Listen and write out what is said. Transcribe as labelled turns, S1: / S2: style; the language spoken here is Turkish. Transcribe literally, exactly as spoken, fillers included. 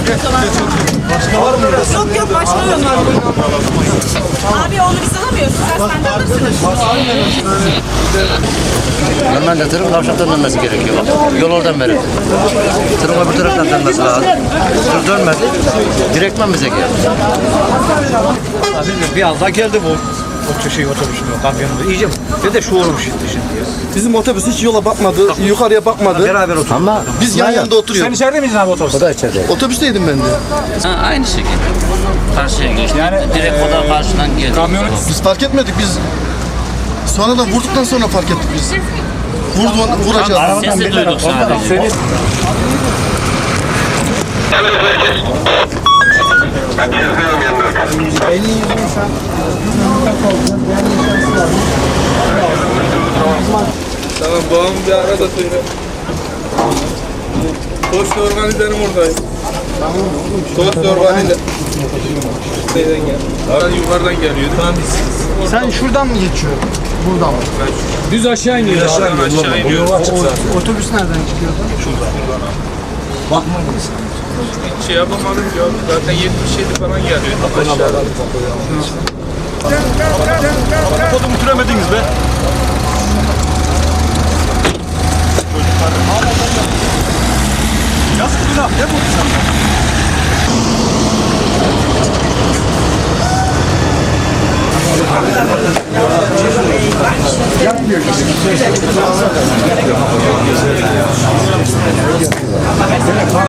S1: Başka var mı?
S2: Yok yok başka yok. Abi onu biz alamıyoruz. Sen senden alırsınız.
S3: Normalde tırın kavşaktan dönmesi gerekiyor. Yol oradan verir. Tırın öbür taraftan dönmesi lazım. Tır dönmedi. Direktmen bize geldi.
S4: Bir anda geldi bu. O şey otobüsün kamyonunda. İyice ve de şu olmuş şimdi şimdi.
S1: Bizim otobüs hiç yola bakmadı, yukarıya bakmadı.
S4: Beraber oturduk.
S3: Ama
S1: Biz yan yanında oturuyoruz.
S4: Sen içeride miydin abi otobüste?
S3: o da içeride.
S1: Otobüsteydim ben de.
S5: Ha, aynı şekilde. Karşıya geçti.
S4: Yani,
S5: direkt o da karşıdan geldi.
S4: Kamyonu
S1: Biz fark etmedik biz. Sonradan vurduktan sonra fark ettik biz. Vurdu, vuracağız.
S5: Sesi duyduk sadece.
S6: Tamam babam bir ara da söyle. Tost organizerim oradayım. Tost organize. Şeyden gel. Oradan yukarıdan geliyordu. Tamam biz.
S1: Sen şuradan mı geçiyorsun? Buradan mı?
S4: düz aşağı iniyor.
S6: Aşağı aşağı iniyoruz.
S1: Otobüs nereden çıkıyordu?
S6: Hiç şey yapamadım ya. Zaten yetmiş yedi falan geliyor. Aşağıdan.